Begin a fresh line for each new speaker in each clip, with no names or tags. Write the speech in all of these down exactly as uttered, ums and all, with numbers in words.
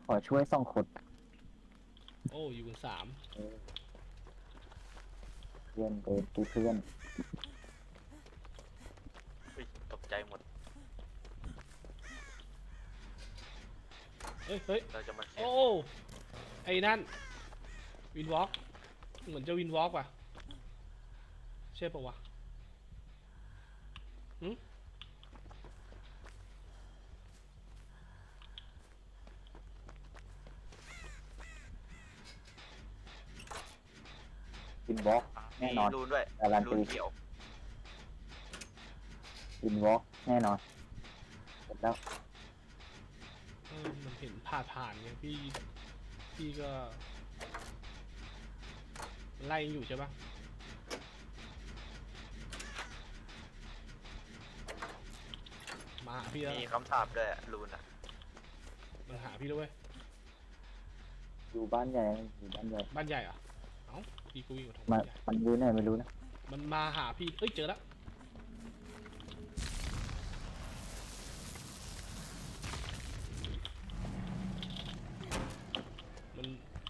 ขอช่วยสองคน
โอ้อยู่กันสาม
เออเพื่อนเดินกูเพื่อน
อุ๊ยตกใจหมด
เฮ้ยเฮ้ย
เราจะมาเสีย
โอ้
ง
ไอ้นั่นวินวอล์กเหมือนจะวินวอล์กว่ะใช่ปะวะหืม
วินวอล์กแน่
มี
นอน
รูนด้วย
การันตี
รูนเขียว
วินวอล์กแน่นอนเสร็จแล้ว
เออมันเห็นผ่านผ่านไงพี่พี่ก็ไล่อยู่ใช่ปะมาหาพี่แล้ว
มีคำสาปด้วยอะรูนอ่ะ
มันหาพี่แล้วเว้ย
อยู่บ้านใหญ่อยู่บ้านใหญ่
บ้านใหญ่เหรอเอ้าพี่กูวิ่งมาทาง
มา
บ้านใหญ่
มันอยู่ไหนไม่รู้นะ
มันมาหาพี่เอ้ยเจอแล้วมัน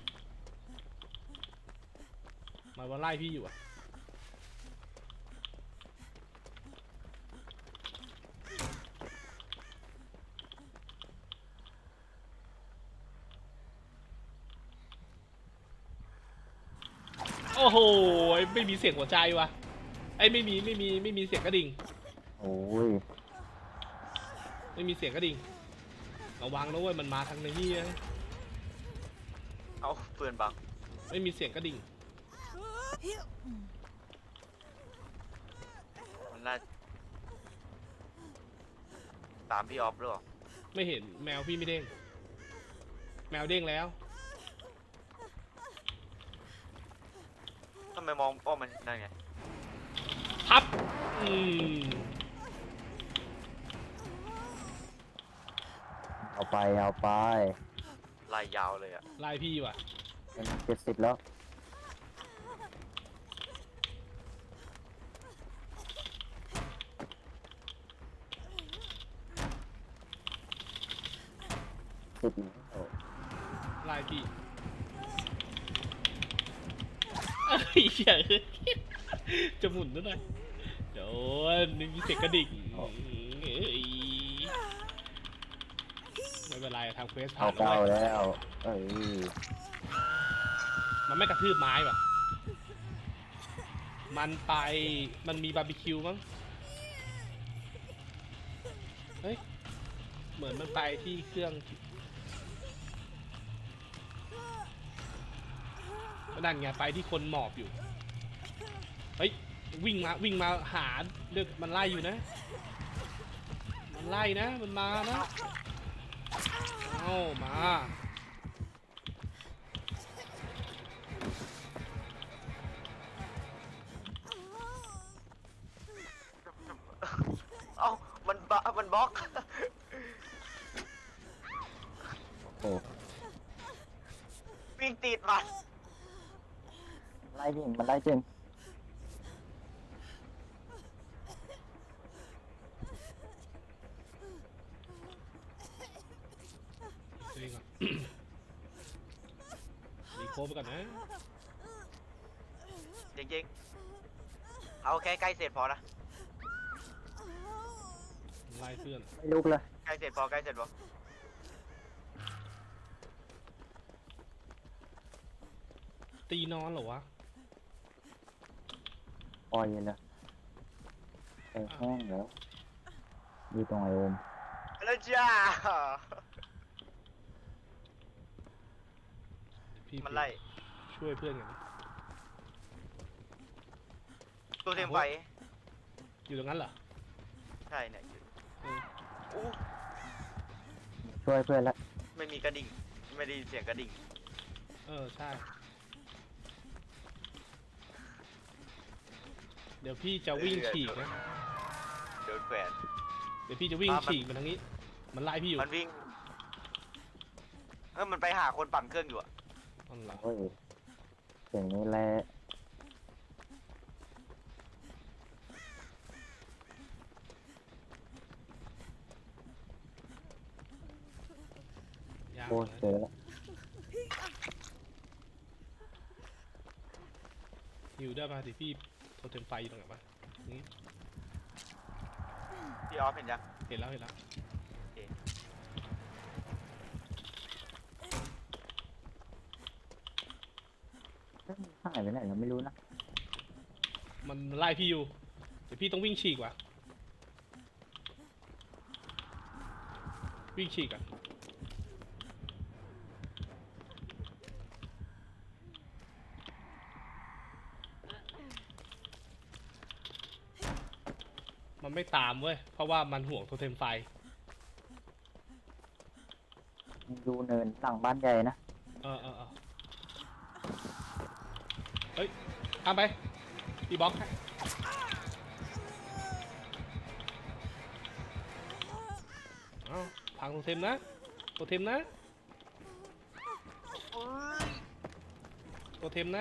มันมาไล่พี่อยู่อะโอ้โหไม่มีเสียงหัวใจวะไอ้ยไม่มีไม่มีไม่มีเสียงกระดิ่ง
โอ้ย
ไม่มีเสียงกระดิ่งระวังนะเว้ยมันมาทางนี้นะ
เอาเปืนบัง
ไม่มีเสียงกระดิ่ง
มันน่าตามพี่ออฟหรือเปล่า
ไม่เห็นแมวพี่ไม่เด้งแมวเด้งแล้ว
ทำไมมองอ้อมันนั่นไง
พับอืม
เอาไปเอาไป
ลายยาวเลยอ่ะ
ไล่พี่ว่ะ
เป็นเจ็ดสิบแล้วสิบแล้ว
ไล่พี่เอ้ยเหี้ยจะหมุนด้วยนะเดี๋ยวไม่มีเสียงกระดิ่งเอ้ยไม่เป็นไรทางเฟสผ่า
เอา
นแล้ว
เก้า
เว้ย
แล้วเอ้ย
มันไม่กระทืบไม้ว่ะมันไปมันมีบาร์บีคิวมั้งเฮ้ยเหมือนมันไปที่เครื่องนั่นไงไปที่คนหมอบอยู่เฮ้ยวิ่งมาวิ่งมาหาเลือกมันไล่อยู่นะมันไล่นะมันมานะเอามา
เอ้ามันบะมันบล็อก
โอ้
วิ่งติดมัน
ไล่จริงมันไล่จริง
ตัวเองก่อนรีโคฟไปก่อนนะ
จริงๆเอาแค่ใกล้เสร็จพอนะ
ไล่เพื่อน
ไม่ลุกเลย
ใกล้เสร็จพอใกล้เสร็จพอ
ตีนอนเหรอวะ
ปล่อยเลยไปแห้งแล้วอยู่ตรงไอโอม
แล้วจ้า
พี่
มันไล่
ช่วยเพื่อนกัน
ตัวเต็มไฟ
อยู่ตรงนั้นเหรอ
ใช่เนี่ยอยู่
เออ
อู้
ช่วยเพื่อนละ
ไม่มีกระดิ่งไม่ได้ยินเสียงกระดิ่ง
เออใช่เดี๋ยวพี่จะวิ่งฉีกนะ
เดินแขวน
เดี๋ยวพี่จะวิ่ง
อ่ะมัน
ฉีกมาทางนี้มันไล่พี่อยู่
มันวิ่งเออมันไปหาคนปั่นเครื่องอยู่อะ
อันหลัง
โอ้ยเสียงนี้แหละ
าก
โอ้
นะ
เจอแล้ว
ฮิวได้ป่ะดิพี่โทรเทมไฟอยู่ตรงไหนวะนี่
พี่ออฟเห็นยัง
เห็นแล้วเห็นแล้ว
หายไปไหนเราไม่รู้นะ
มันไล่พี่อยู่เดี๋ยวพี่ต้องวิ่งฉีกว่ะวิ่งฉีกอ่ะมันไม่ตามเว้ยเพราะว่ามันห่วงโทเทมไฟ
ดูเนินหลังบ้านใหญ่นะ
เออเออเออเฮ้ยทำไปพี่บล็อกให้เอ้าพังโทเทมนะโทเทมนะ
เอ้ย
โทเทมนะ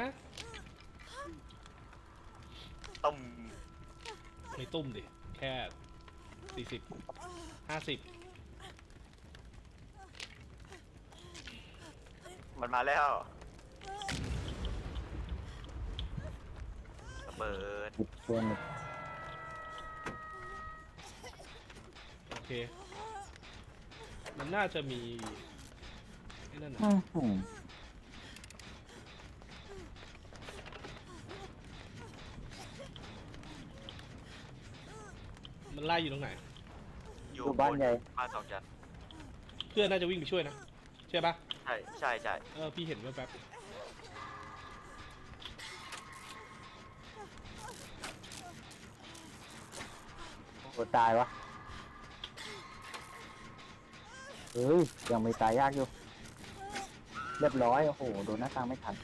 ตุ่ม
ไม่ตุ้มดิแค่สี่สิบห้าสิบ
มันมาแล้วระเบิด
ติดเพื่อนอีก
โอเค มันน่าจะมีไอ้นั่นนะ
อื้อหือ
มันไล่อยู่ตรงไหน
อยู่
ดูบ้านใหญ่
บ้านสองชั้น
เพื่อนน่าจะวิ่งไปช่วยนะใช่ปะ
ใช่ใช่ใช่
เออพี่เห็นแป๊บ
โอ้ตายวะเฮ้ยยังไม่ตายยากอยู่ เรียบร้อยโอ้โหโดนหน้าต่างไม่ทัน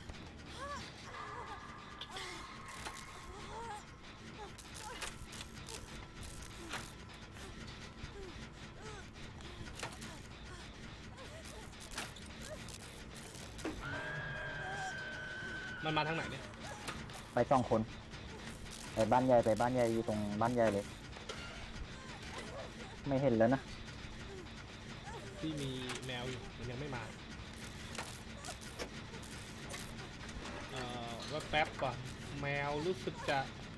ๆมันมาทางไหนเนี่ย
ไปสองคน ไปบ้านใหญ่ไปบ้านใหญ่อยู่ตรงบ้านใหญ่เลย ไม่เห็นแล้วนะ
พี่มีแมวอยู่มันยังไม่มาเอ่อว่าแป๊บก่อนแมวรู้สึกจะ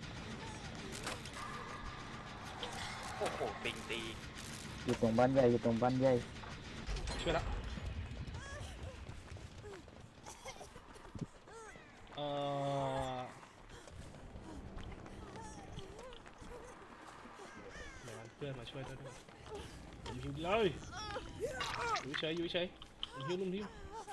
โอ้โหปิงตี
อยู่ตรงบ้านใหญ่อยู่ตรงบ้านใหญ่
ช่วยแล้วเอ่อเดี๋ยวเพื่อนมาช่วยด้วยด้วยผมหิวเลยอยู่เฉยอยู่เฉยผมหิวนุ่มหิว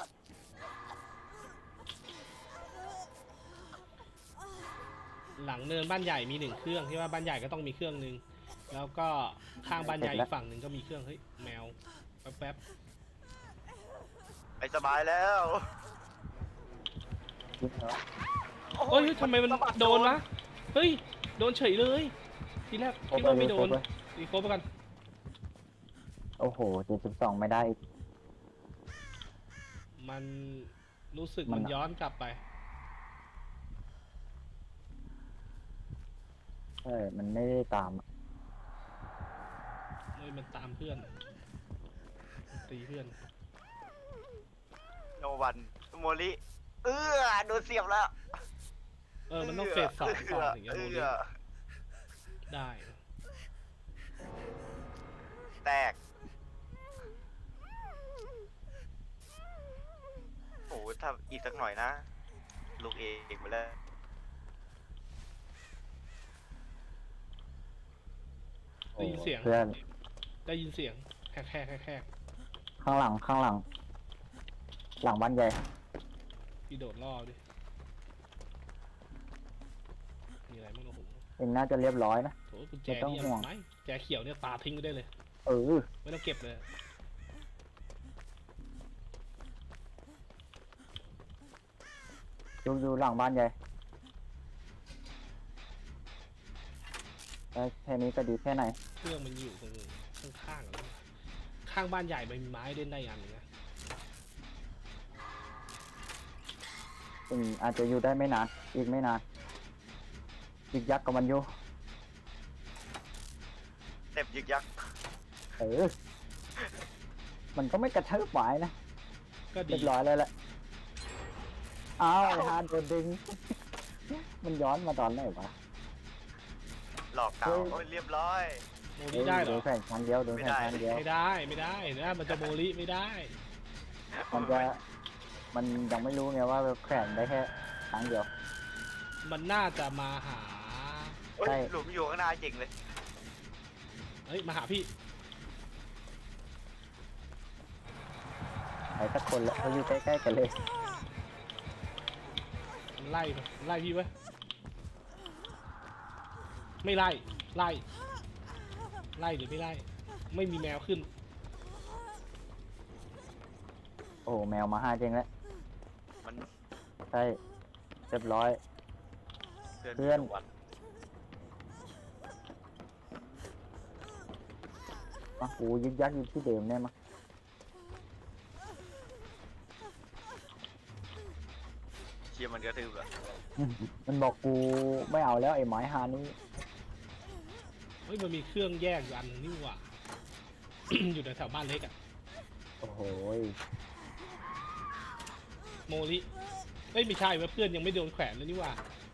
หลังเนินบ้านใหญ่มีหนึ่งเครื่องที่ว่าบ้านใหญ่ก็ต้องมีเครื่องหนึ่งแล้วก็ข้างบ้านใหญ่อีกฝั่งหนึ่งก็มีเครื่องเฮ้ยแมวแป๊บแป๊บ
ไปสบายแล้ว
ยิงเหรอ
เฮ้ยทำไมมันโดนวะเฮ้ยโดนเฉยเลยทีแรกคิดว่าไม่โดนตีโคบไปกัน
โอ้โหเจ็ดสิบสองไม่ได้อีก
มันรู้สึก
มั
มัน นย้อนกลับไป
ใช่มันไม่ได้ตามอะ
เฮ้ยมันตามเพื่อนตีเพื่อน
โนวันโมลิเออโดนเสียบแล้ว
เออมันต้องเฟสสองก่อนถึงจะ
เอ
โดน
อ
ได้
แตกโอ้โหถ้าอีกสักหน่อยนะ ลูกเองไปแล้ว
ได้ยินเสียง
เพื่อน
ได้ยินเสียงแคกแคกแคกแคก
ข้างหลังข้างหลัง หลังบ้านใหญ่
พี่โดดล่อดิมีอะไรบ้างโอ้โห
เองน่าจะเรียบร้อยนะ
โถกุญแจ
ไม่ต้อง
นี่
ห่วง
ไม่แจเขียวเนี่ยปาทิ้งไปได้เลย
เออ
ไม่ต้องเก็บเลย
ดูดูหลังบ้านใหญ่ได้แค่นี้ก็ดีแค่ไหน
เครื่องมันอยู่ตรงข้างๆอะข้างบ้านใหญ่มันมีไม้เล่นได้อันหนึงนะ
อืมอาจจะอยู่ได้ไม่นาน อีกไม่นาน อีกยักษ์กับมันอยู่
เต็มยึกยัก
เออ มันก็ไม่กระเทิบหวายนะ
ก็ดี
เรียบร้อยแล้วแหละอ้าวไอ้ฮาร์ดโดนดึง มันย้อนมาตอนไหนวะ
หลอกเก่า
เฮ้ย
โอ้ยเรียบร้อย
โมลิได้เหร
โด
อน
แข่งครั้งเดียวโดนแข่งครั้งเดียว
ไม่ได้ไม่ได้นะมันจะโมลิไม่ได้
มันจะมันยังไม่รู้ไงว่าแข่งได้แค่ครั้งเดียว
มันน่าจะมาหา
โอ้ย
ใช่
หลุมอยู่ข้างหน้าจริงเลย
เฮ้ยมาหาพี่
ไหนสักคนละเขาอยู่ใกล้ๆกันเลย
มันไล่ไปไล่พี่ไว้ไม่ไล่ไล่ไล่หรือไม่ไล่ไม่มีแมวขึ้น
โอ้โหแมวมาห้าจริงแล้ว
มัน
ใช่เรียบร้อย
เพื่อน
เพื่อน
วัน
อ่ะกูยึกยักอยู่ที่เดิมได้มั้ย
เชียร์มันกระทืบเหรอ
มันบอกกูไม่เอาแล้วไอ้หมายฮานี้
เฮ้ยมันมีเครื่องแยกอยู่อันนึงนี่หว่า อยู่แถวๆบ้านเล็กอะ
โอ้โห
โมลิเฮ้ยไม่ใช่เว่าเพื่อนยังไม่โดนแขวนเลยนี่หว่า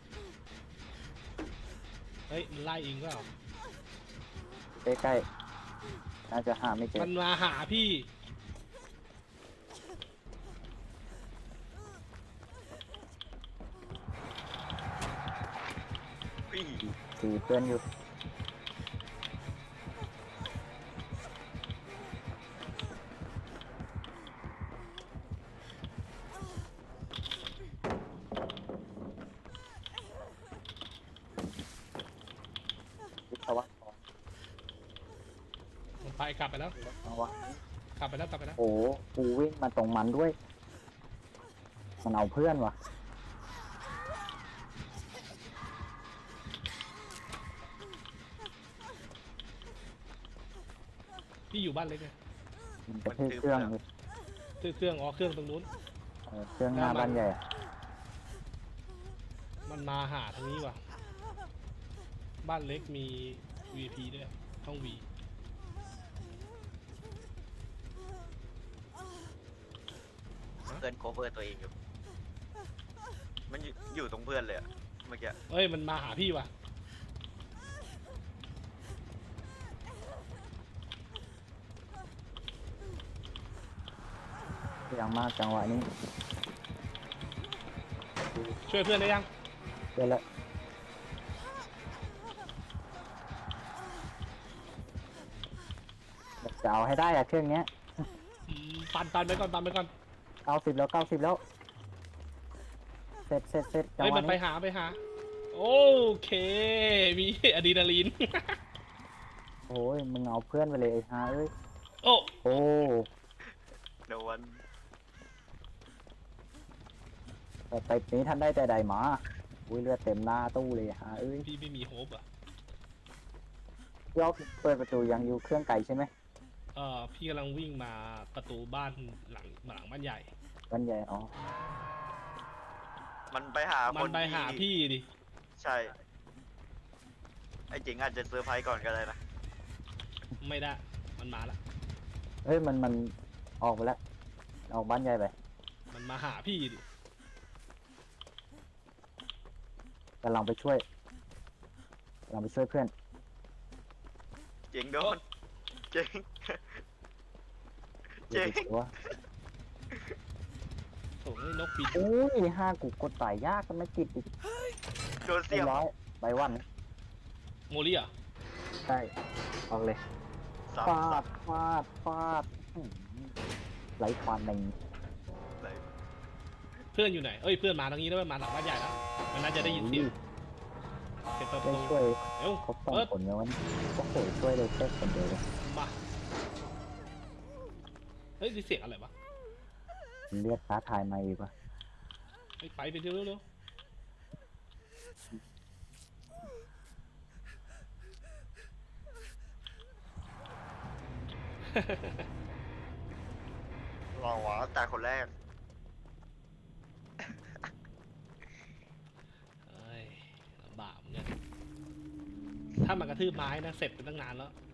เฮ้ยมันไล่เองก็
ใกล้ๆน่าจะหาไม่เจอ
มันมาหาพี่
พี่
ตีเพื่อนอยู่วิศวะ
มันไปกลับไปแล้ว
เอาวะ
กลับไปแล้วกลับไปแล้ว
โอ้โหกูวิ่งมาตรงมันด้วย มันเอาเพื่อนวะ
พี่อยู่บ้านเล็กไง
มันจะทื่อเครื่องอยู่
ซื้อเครื่องอ๋อเครื่องตรงนู้น
เออเครื่องหน้าบ้านใหญ่อะ
มันมาหาทางนี้ว่ะบ้านเล็กมี วี พี ด้วยห้อง V
เพื่อนโคเวอร์ตัวเองอยู่ มันอยู่อยู่ตรงเพื่อนเลยอะเมื่อกี้
เอ้ยมันมาหาพี่ว่ะ
เสียงมากจังหวะนี้
ช่วยเพื่อนได้ยัง
เดี๋ยวละจะเอาให้ได้อะเครื่องเนี้ย
อืมปันปันไปก่อนปันไปก่อน
เก้าสิบแล้วเก้าสิบแล้ว เสร็จเสร็จเสร็จจัง
เฮ้ย
ห
มั
วะ
นไป
นี้
หาไปหา โอเค มีอะดรีนาลีน
โอ้ยมึงเอาเพื่อนไปเลยไอ้ฮาเอ้ย
โอ้
โอ้
โดน
แต่ไปนี้ท่านได้แต่ใดหมาอุ้ยเลือดเต็มหน้าตู้เลยฮาเอ้ย
พี่ไม่มีโฮปอ่ะ
ยอกเปิดประตูยังอยู่เครื่องไก่ใช่ไหม
เออพี่กำลังวิ่งมาประตูบ้านหลังหลังบ้านใหญ่
บ้านใหญ่อ๋อ
มันไปหา
มั
คน น
ไปหา
ที่
พี่ดิ
ใช่ ไอ้เจ๋งอาจจะเซอร์ไพรส์ก่อนก็ได้นะ
ไม่ได้ มันมาละ
เฮ้ยมันมันออกไปแล้วออกบ้านใหญ่ไป
มันมาหาพี่ดิ
กำลังไปช่วยกำลังไปช่วยเพื่อน
เจ๋งโดน เจ๋ง
เดี๋ยวไปตัว
โถ่เอ้ยนกบิน
อุ้ยห้ากูกดตายยากกันไม่ติดอีก
โดน
เรี
เสี
ย
ย
บบ ร้อยใบวัน
โมลี่อ่ะ
ใช่ออกเลย
สาม
ฟา
สั
ด
บ
ฟาดฟาดอื้อหือไหลควันใน
เลย
เพื่อนอยู่ไหน เอ้ยเพื่อนมาทางนี้แล้วมันมาหลังบ้านใหญ่แล้ว มันน่าจะได้ยินเสียงเสียงประ
ได้
ตู
ช่วย
เอ้ว
ครบสอง
เปิด
คนแล้ววันโอ้โหช่วยเลยแค่คนเดียวเลย
มา เฮ้ยนี่เสียงอะไรวะ
เรียกท้าทายมาอีกวะ
เฮ้ยไปไปเร็วเร็ว
ลองวะแต่คนแรก
เอ้ยลำบากเหมือนกันถ้ามันกระทืบไม้นะ เสร็จไปตั้งนานแล้ว